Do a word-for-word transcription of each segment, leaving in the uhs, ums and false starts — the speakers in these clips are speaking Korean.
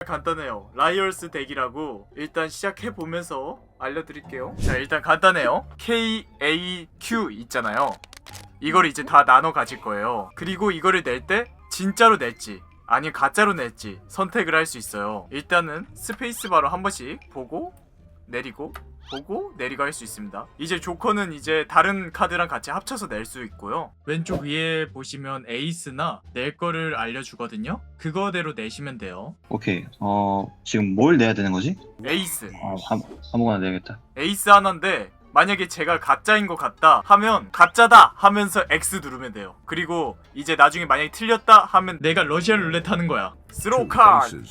간단해요. 라이얼스 덱이라고 일단 시작해보면서 알려드릴게요. 자, 일단 간단해요. K, A, Q 있잖아요. 이걸 이제 다 나눠 가질 거예요. 그리고 이거를 낼 때 진짜로 낼지 아니면 가짜로 낼지 선택을 할 수 있어요. 일단은 스페이스바로 한 번씩 보고 내리고 보고 내리고 할 수 있습니다. 이제 조커는 이제 다른 카드랑 같이 합쳐서 낼 수 있고요. 왼쪽 위에 보시면 에이스나 낼 거를 알려주거든요. 그거대로 내시면 돼요. 오케이. 어 지금 뭘 내야 되는 거지? 에이스 아 한, 아무거나 내야겠다. 에이스 하나인데 만약에 제가 가짜인 것 같다 하면 가짜다 하면서 X 누르면 돼요. 그리고 이제 나중에 만약에 틀렸다 하면 내가 러시안 룰렛 하는 거야. 스로우 카드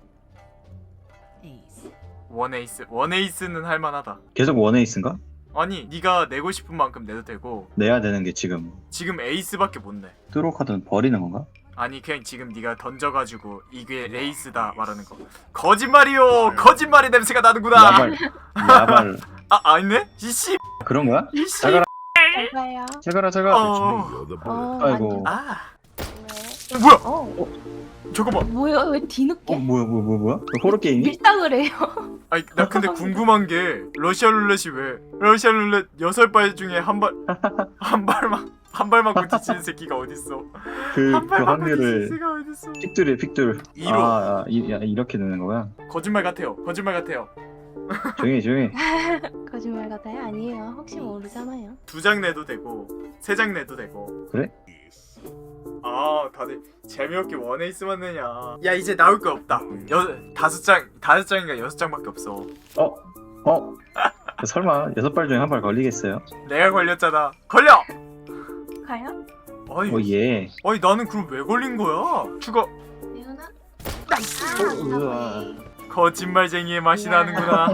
원 에이스 원 에이스는 할만하다. 계속 원에이스인가? 아니 네가 내고 싶은 만큼 내도 되고 내야 되는 게 지금 지금 에이스밖에 못 내. 트로 카드는 버리는 건가? 아니 그냥 지금 네가 던져가지고 이게 에이스다 말하는 거. 거짓말이요. 거짓말의 냄새가 나는구나. 야발 야발 아 아니네? 이씨 그런 거야? 이씨. 자가라 잘가요. 자가라 자가. 어. 어, 아이고. 아 왜? 어, 뭐야? 어, 잠깐만. 뭐야? 왜 뒤늦게? 어 뭐야 뭐야 뭐야 뭐야? 호러 게임이? 밀당을 해요. 아니 나 근데 궁금한 게 러시안 룰렛이 왜 러시안 룰렛 여섯 발 중에 한 발 한 발만 한 발만 고치는 새끼가 어딨어? 그, 한 그 발만 고치는 확률을 새끼가 어딨어? 픽들에 픽들. 이로. 아, 아 이, 야, 이렇게 되는 거야? 거짓말 같아요. 거짓말 같아요. 조용히 조용히. 거짓말 같아요? 아니에요. 혹시 모르잖아요. 두 장 내도 되고 세 장 내도 되고. 그래? 아 다들 재미없게 원에이스만 내냐. 야 이제 나올 거 없다. 여 다섯 장 다섯 장인가 여섯 장밖에 없어. 어? 어? 설마 여섯 발 중에 한 발 걸리겠어요? 내가 걸렸잖아. 걸려. 가요? 어이. 어 예. 어이 나는 그럼 왜 걸린 거야? 죽어. 예은아? 나이스. 아, 우와. 거짓말쟁이의 맛이 야. 나는구나.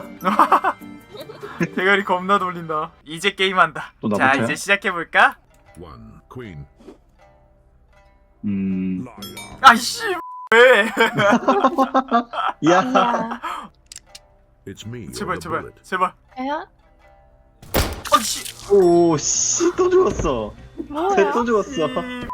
대가리 겁나 돌린다. 이제 게임한다. 또 자 나부터야? 이제 시작해볼까? One queen. 음. Liar. 아이씨 왜? 야. 야. It's me. 제발 or the 제발 bullet. 제발. 가요? 아이씨. 오 씨 또 죽었어. 뭐야? 쟤또 죽었어.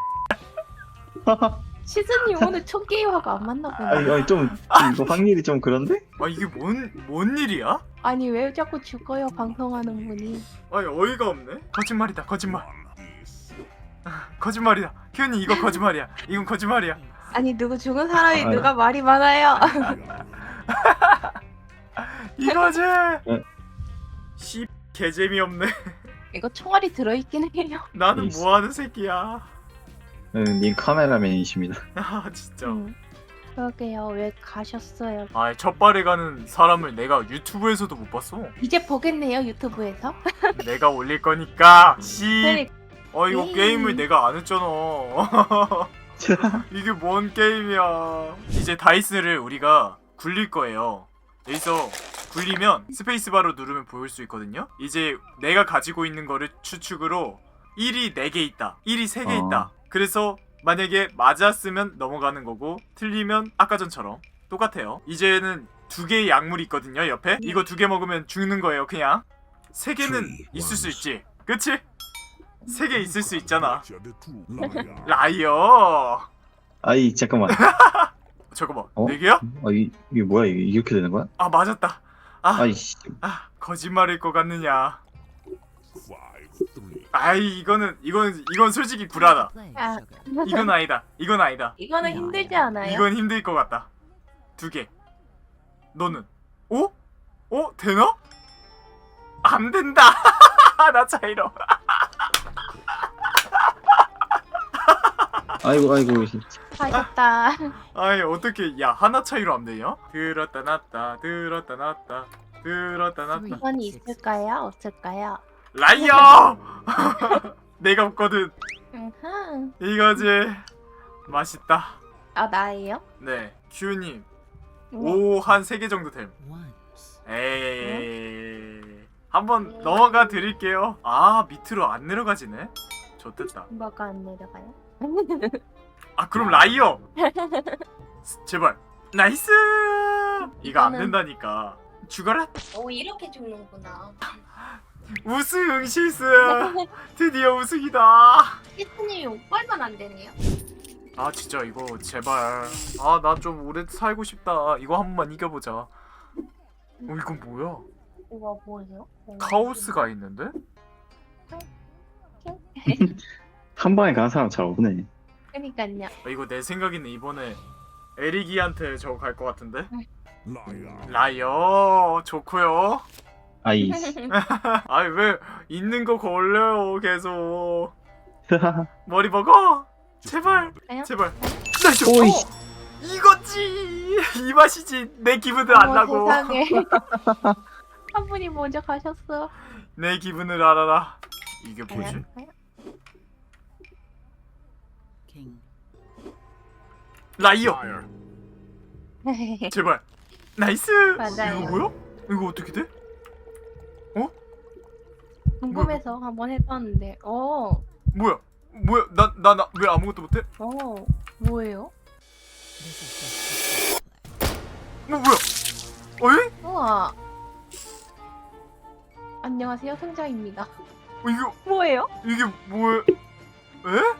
시즈님 오늘 첫 게임하고 안 만나 보네. 아니, 아니 좀 이거 확률이 좀 그런데? 아 이게 뭔 뭔 일이야? 아니 왜 자꾸 죽어요 방송하는 분이. 아니 어이가 없네. 거짓말이다 거짓말. 거짓말이다. 키우님 이거 거짓말이야. 이건 거짓말이야. 아니 누구 죽은 사람이 아유. 누가 말이 많아요. 이거지. 네. 씨 개재미없네. 이거 총알이 들어있긴 해요. 나는 있어. 뭐하는 새끼야. 응, 님 카메라맨이십니다. 아 진짜. 음. 그러게요. 왜 가셨어요? 아 첫발에 가는 사람을 내가 유튜브에서도 못 봤어. 이제 보겠네요 유튜브에서. 내가 올릴 거니까. 씨. 그래. 어 이거 에이. 게임을 내가 안 했잖아. 이게 뭔 게임이야. 이제 다이스를 우리가 굴릴 거예요. 여기서 굴리면 스페이스바로 누르면 보일 수 있거든요. 이제 내가 가지고 있는 거를 추측으로 일이 네 개 있다, 일이 세 개 어. 있다. 그래서 만약에 맞았으면 넘어가는 거고 틀리면 아까 전처럼 똑같아요. 이제는 두 개의 약물이 있거든요 옆에. 이거 두 개 먹으면 죽는 거예요. 그냥 세 개는 있을 수 있지. 그치? 세 개 있을 수 있잖아. You're the true liar. 라이어. 아이 잠깐만. 잠깐만 어? 네 개야? 어 이, 이게 뭐야 이게 이렇게 되는 거야? 아 맞았다. 아, 아이씨. 아 거짓말일 것 같느냐. Five, three. 아이 이거는 이건 이건 솔직히 불하다. 아, 이건 아니다. 이건 아니다. 이거는 힘들지 않아요? 이건 힘들 것 같다. 두 개. 너는? 오? 어? 되나? 안 된다. 나 차이로. 아이고 아이고. 하셨다. 아이 어떻게 야 하나 차이로 안 되냐? 들었다 놨다 들었다 놨다 들었다 놨다. 이건 있을까요? 없을까요? 라이어. 내가 없거든. 음흠. 이거지. 맛있다. 아 나예요? 네. 큐님 네. 오 한 세 개 정도 됨. 에이. 한번 넘어가 드릴게요. 아 밑으로 안 내려가지네. 좋됐다. 뭐가 안 내려가요? 아 그럼 라이어. 제발. 나이스. 이거 안 이거는- 된다니까. 죽어라. 오 이렇게 죽는구나. 우승 실수. 드디어 우승이다. 시스님이 오빨만 안 되네요. 아 진짜 이거 제발. 아 나 좀 오래 살고 싶다. 이거 한 번만 이겨보자. 어 이건 뭐야? 이거 뭐예요? 카오스가 있는데? 한 방에 가는 사람 잘 없네. 그니까요. 아, 이거 내 생각에는 이번에 에릭이한테 저거 갈 것 같은데? Liar. 라이어 좋고요. 아이. 아니 왜 있는 거 걸려요 계속. 머리 먹어. 제발 아니요? 제발. 나이스. 오이. 어, 이거지 이 맛이지. 내 기분을 알라고. 세상에. 한 분이 먼저 가셨어. 내 기분을 알아라. 이게 뭐지? king. 라이어. Liar. 제발. 나이스. 맞아요. 이거 뭐야? 이거 어떻게 돼? 궁금해서 한번 해봤는데, 어, 뭐야? 뭐야? 나 나 나 왜 아무것도 못해? 어, 뭐예요? This is just 뭐 뭐야? 어이? 우와. 안녕하세요, 승자입니다. 어, 이거 뭐예요? 이게 뭐야? 에?